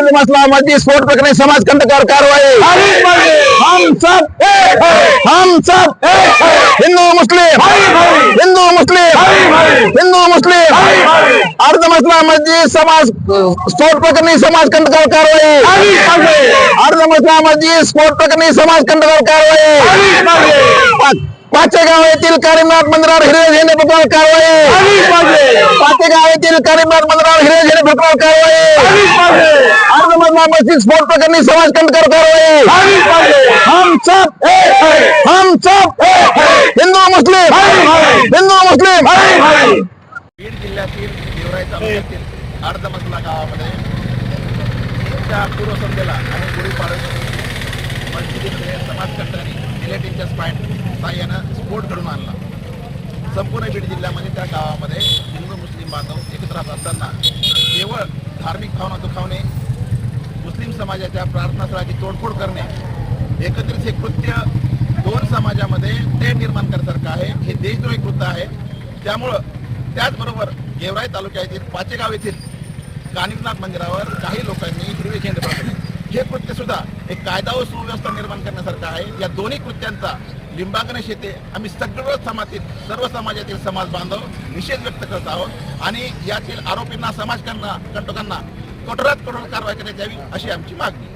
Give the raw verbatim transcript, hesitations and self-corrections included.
अर्ध मसला मस्जिद स्फोट प्रकरणी समाजकंटकावर कारवाई। हम सब एक है, हम सब एक है। हिंदू मुस्लिम हिंदू मुस्लिम हिंदू मुस्लिम अर्ध मसला मस्जिद समाज स्फोट प्रकरणी समाजकंटकावर कारवाई। अर्ध मसला मस्जिद स्फोट प्रकरणी समाजकंटकावर कारवाई। पाचेगाव येथील करीमनाथ मंदिरावर हिरवे झेंडे फडकवण्यावर कारवाई। पाचेगाव येथील करीमनाथ मंदिरावर हिरवे झेंडे फडकवण्यावर कारवाई। अर्ध मसला मस्जिद स्फोट प्रकरणी समाजकंटकावर कारवाई। हम सब एक है, हम सब एक है। हिंदू मुस्लिम हिंदू मुस्लिम बीड जिल्ह्यातील गेवराई तालुक्यातील अर्ध मसला गावामध्ये त्या पूर्वसंध्येला आणि गुढीपाडव्याच्या मस्जिदीमध्ये समाजकंटकांनी जिलेटिनच्या स्पाईन साह्यानं स्फोट घडून आणला। संपूर्ण बीड जिल्ह्यामध्ये त्या गावामध्ये हिंदू मुस्लिम बांधव एकत्र राहत असताना केवळ धार्मिक भावना दुखावणे, मुस्लिम समाजाच्या प्रार्थनास्थळाची तोडफोड करणे, एकत्रित हे कृत्य दोन समाजामध्ये तेढ निर्माण करण्यासारखं आहे। हे देशद्रोही कृत्य आहे। त्यामुळं त्याचबरोबर गेवराई तालुक्यातील पाचेगाव येथील कानिमनाथ मंदिरावर काही लोकांनी हिरवे झेंडे फडकवले। हे कृत्य सुद्धा एक कायदा व सुव्यवस्था निर्माण करण्यासारखं आहे। या दोन्ही कृत्यांचा लिंबागणेश येथे आम्ही सगळं समाजातील सर्व समाजातील समाज बांधव निषेध व्यक्त करत आहोत आणि यातील आरोपींना समाजकंटकांना कठोरात कठोर कारवाई करण्यात यावी अशी आमची मागणी।